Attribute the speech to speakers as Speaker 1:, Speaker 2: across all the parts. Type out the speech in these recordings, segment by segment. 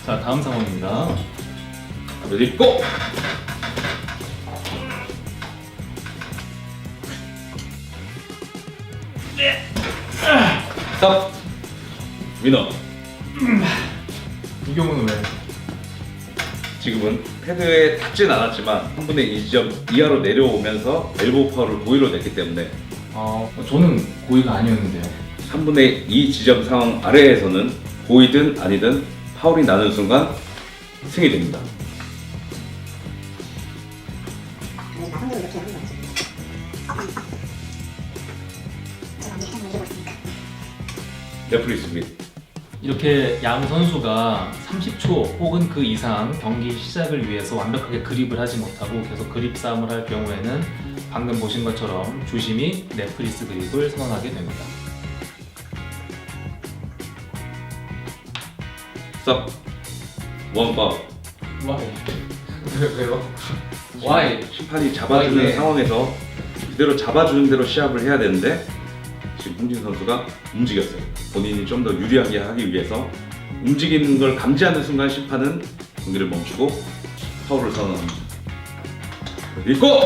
Speaker 1: 자, 다음 상황입니다.
Speaker 2: 레디 고! 스탑! 위너.
Speaker 1: 이 경우는 왜?
Speaker 2: 지금은 패드에 닿진 않았지만 3분의 2점 이하로 내려오면서 엘보 파워를 고의로 냈기 때문에
Speaker 1: 저는 고의가 아니었는데요.
Speaker 2: 3분의 2 지점 상황 아래에서는 고의든 아니든 파울이 나는 순간 승이 됩니다. 레프리 수비.
Speaker 1: 이렇게 양 선수가 30초 혹은 그 이상 경기 시작을 위해서 완벽하게 그립을 하지 못하고 계속 그립 싸움을 할 경우에는 방금 보신 것처럼 주심이 넷프리스 그립을 선언하게 됩니다.
Speaker 2: 스탑. 원파울.
Speaker 1: Why? 왜요? Why?
Speaker 2: 심판이 잡아주는
Speaker 1: Why?
Speaker 2: 상황에서 그대로 잡아주는 대로 시합을 해야 되는데 지금 홍진 선수가 움직였어요. 본인이 좀 더 유리하게 하기 위해서 움직이는 걸 감지하는 순간 심판은 경기를 멈추고 파울을 선언합니다. 읽고!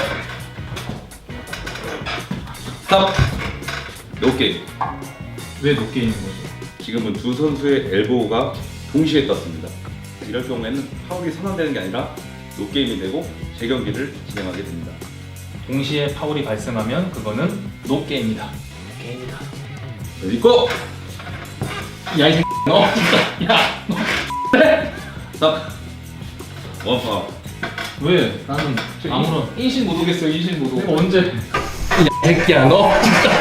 Speaker 2: 스탑! 노게임.
Speaker 1: 왜 높게 있는 거죠?
Speaker 2: 지금은 두 선수의 엘보우가 동시에 떴습니다. 이럴 경우에는 파울이 선언되는 게 아니라 노게임이 되고 재경기를 진행하게 됩니다.
Speaker 1: 동시에 파울이 발생하면 그거는 노게임이다. 게임이다.
Speaker 2: 읽고!
Speaker 1: 야, 이 새끼. 너 진짜. 야, 너.
Speaker 2: 스탑! 원파울.
Speaker 1: 왜? 나는 아무런
Speaker 3: 인신 못 오겠어요. 인신 못
Speaker 1: 내가
Speaker 3: 오고.
Speaker 1: 언제
Speaker 3: 이 새끼야 너.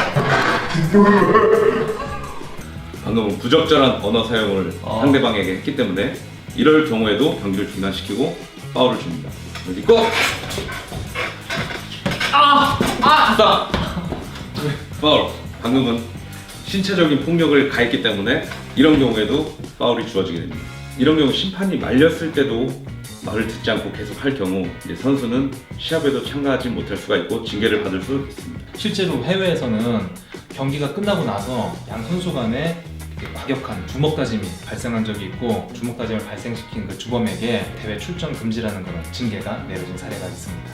Speaker 2: 방금은 부적절한 언어 사용을 상대방에게 했기 때문에 이럴 경우에도 경기를 중단시키고 파울을 줍니다. 읽고! 스탑! 파울. 방금은 신체적인 폭력을 가했기 때문에 이런 경우에도 파울이 주어지게 됩니다. 이런 경우 심판이 말렸을 때도 말을 듣지 않고 계속 할 경우 이제 선수는 시합에도 참가하지 못할 수가 있고 징계를 받을 수 있습니다.
Speaker 1: 실제로 해외에서는 경기가 끝나고 나서 양 선수 간에 과격한 주먹 다짐이 발생한 적이 있고 주먹 다짐을 발생시킨 그 주범에게 대회 출전 금지라는 그런 징계가 내려진 사례가 있습니다.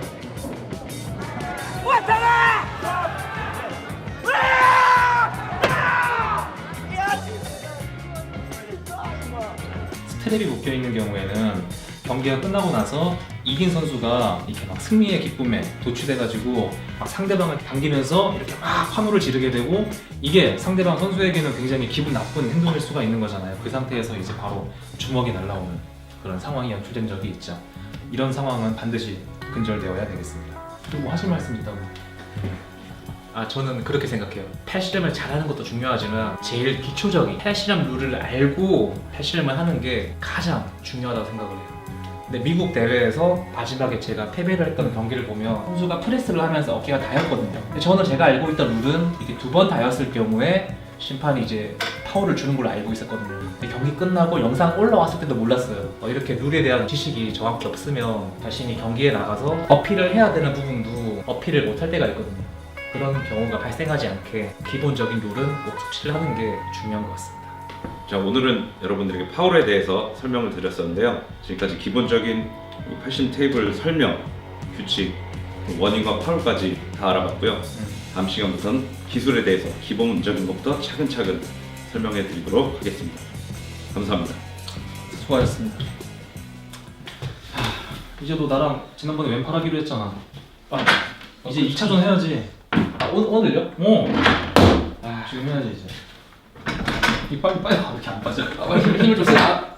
Speaker 1: 스트랩이 묶여 있는 경우에는 경기가 끝나고 나서 이긴 선수가 이렇게 막 승리의 기쁨에 도취돼가지고 막 상대방을 당기면서 이렇게 막 환호를 지르게 되고 이게 상대방 선수에게는 굉장히 기분 나쁜 행동일 수가 있는 거잖아요. 그 상태에서 이제 바로 주먹이 날라오는 그런 상황이 연출된 적이 있죠. 이런 상황은 반드시 근절되어야 되겠습니다. 또 뭐 하실 말씀 있다고?
Speaker 3: 저는 그렇게 생각해요. 팔씨름을 잘하는 것도 중요하지만 제일 기초적인 팔씨름 룰을 알고 팔씨름을 하는 게 가장 중요하다고 생각을 해요. 근데 미국 대회에서 마지막에 제가 패배를 했던 경기를 보면 선수가 프레스를 하면서 어깨가 닿였거든요. 근데 저는 제가 알고 있던 룰은 이게 2번 닿였을 경우에 심판이 이제 파울을 주는 걸로 알고 있었거든요. 근데 경기 끝나고 영상 올라왔을 때도 몰랐어요. 이렇게 룰에 대한 지식이 정확히 없으면 자신이 경기에 나가서 어필을 해야 되는 부분도 어필을 못할 때가 있거든요. 그런 경우가 발생하지 않게 기본적인 룰은 꼭 숙지를 하는 게 중요한 것 같습니다.
Speaker 2: 자, 오늘은 여러분들에게 파울에 대해서 설명을 드렸었는데요. 지금까지 기본적인 팔심 테이블 설명, 규칙, 원인과 파울까지 다 알아봤고요. 다음 시간부터는 기술에 대해서 기본적인 것부터 차근차근 설명해 드리도록 하겠습니다. 감사합니다.
Speaker 1: 수고하셨습니다. 이제 너 나랑 지난번에 왼팔 하기로 했잖아. 이제 2차전 해야지.
Speaker 3: 오늘요?
Speaker 1: 지금 해야지 이제. 이 빨리 왜 이렇게 안 빠져?
Speaker 3: 힘을 줬어요.